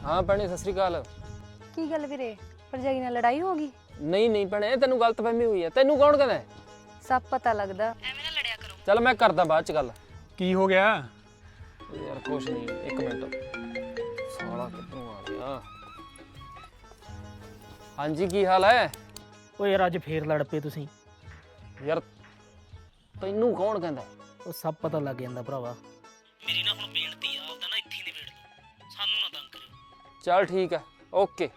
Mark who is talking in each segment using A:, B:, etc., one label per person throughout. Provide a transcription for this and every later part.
A: हाँ भैने सत श्री अकाल।
B: की गल वीरे भरजाई नाल लड़ाई हो गई?
A: नहीं नहीं भैने तेनू गलतफहमी हुई है। तेनू कौन कहदा है?
B: सब पता लगदा। एवें ना लड़िया करो।
A: चल मैं करदा बाद च गल।
C: की हो गया?
A: यार कुछ नहीं, एक मिनट। साला किधरों आ गया? हाँ जी की हाल है?
D: ओ यार अज फेर लड़ पे तुसीं।
A: यार तेनू कौन कहदा है?
D: ਉਹ ਸਭ ਪਤਾ ਲੱਗ ਜਾਂਦਾ ਭਰਾਵਾ। ਮੇਰੀ ਨਾ ਹੁਣ ਬੇਨਤੀ ਆ ਉਹਦਾ ਨਾ ਇੱਥੇ ਨਿਬੇੜ ਦੋ, ਸਾਨੂੰ ਨਾ ਤੰਗ ਕਰਿਓ।
A: चल ठीक है ओके।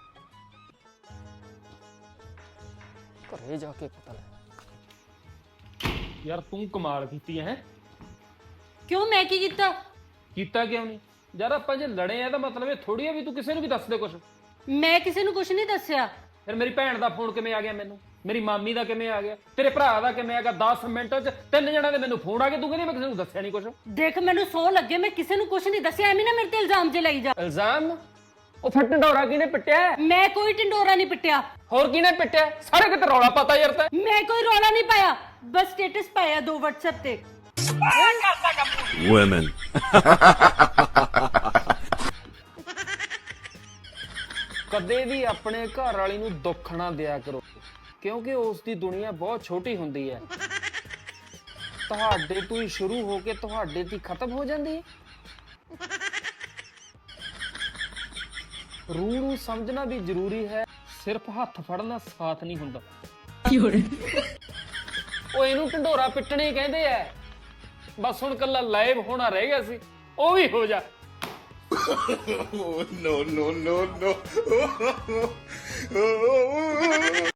A: घरे जाके पता लग।
C: यार तू कमाल कीती है।
E: क्यों मैं की कीता?
C: कीता क्यों नहीं? यार ਆਪਾਂ ਜੇ ਲੜੇ ਆ ਤਾਂ ਮਤਲਬ ਇਹ ਥੋੜੀ ਆ ਵੀ ਤੂੰ ਕਿਸੇ ਨੂੰ ਵੀ ਦੱਸ ਦੇ ਕੁਛ।
E: मैं किसी ਨੂੰ ਕੁਛ ਨਹੀਂ ਦੱਸਿਆ।
C: ਫਿਰ ਮੇਰੀ ਭੈਣ ਦਾ ਫੋਨ ਕਿਵੇਂ ਆ ਗਿਆ ਮੈਨੂੰ? ਮੇਰੀ ਮਾਮੀ ਦਾ ਕਿਵੇਂ ਆ ਗਿਆ? ਤੇਰੇ ਭਰਾ ਦਾ ਕਿਵੇਂ ਆ ਗਿਆ? 10 ਮਿੰਟਾਂ 'ਚ 3 ਜਣਾਂ ਦੇ ਮੈਨੂੰ ਫੋਨ ਆ ਗਏ, ਤੂੰ ਕਹਿੰਦੀ ਮੈਂ ਕਿਸੇ ਨੂੰ ਦੱਸਿਆ ਨਹੀਂ ਕੁਛ।
E: ਦੇਖ ਮੈਨੂੰ ਸੌ ਲੱਗੇ ਮੈਂ ਕਿਸੇ ਨੂੰ ਕੁਛ ਨਹੀਂ ਦੱਸਿਆ, ਐਵੇਂ ਨਾ ਮੇਰੇ ਤੇ ਇਲਜ਼ਾਮ ਜੇ ਲਈ ਜਾ।
A: ਇਲਜ਼ਾਮ? ਉਹ ਫਿਰ ਢੰਡੋਰਾ ਕਿਹਨੇ ਪਿੱਟਿਆ?
E: ਮੈਂ ਕੋਈ ਢਿੰਡੋਰਾ ਨਹੀਂ ਪਿੱਟਿਆ।
A: ਹੋਰ ਕਿਹਨੇ ਪਿੱਟਿਆ? ਸਾਰੇ ਕਿਤੇ ਰੌਲਾ ਪਤਾ ਯਾਰ ਤੇ।
E: ਮੈਂ ਕੋਈ ਰੌਲਾ ਨਹੀਂ ਪਾਇਆ, ਬਸ ਸਟੇਟਸ ਪਾਇਆ 2 WhatsApp ਤੇ।
F: Women.
A: ਕਦੇ ਵੀ ਆਪਣੇ ਘਰ ਵਾਲੀ ਨੂੰ ਦੁੱਖ ਨਾ ਦਿਆ ਕਰੋ, ਕਿਉਂਕਿ ਉਸ ਦੀ ਦੁਨੀਆ ਬਹੁਤ ਛੋਟੀ ਹੁੰਦੀ ਹੈ। ਤੁਹਾਡੇ ਤੋਂ ਹੀ ਸ਼ੁਰੂ ਹੋ ਕੇ ਤੁਹਾਡੇ ਤੇ ਖਤਮ ਹੋ ਜਾਂਦੀ ਹੈ। ਰੂਹ ਨੂੰ ਸਮਝਣਾ ਵੀ ਜ਼ਰੂਰੀ ਹੈ, ਸਿਰਫ ਹੱਥ ਫੜਨਾ ਸਾਥ ਨਹੀਂ ਹੁੰਦਾ। ਉਹ ਇਹਨੂੰ ਢੰਡੋਰਾ ਪਿੱਟਣੇ ਕਹਿੰਦੇ ਆ। ਬਸ ਹੁਣ ਕੱਲਾ ਲਾਈਵ ਹੋਣਾ ਰਹਿ ਗਿਆ ਸੀ, ਉਹ ਵੀ ਹੋ ਜਾ।
F: No, no, no, no.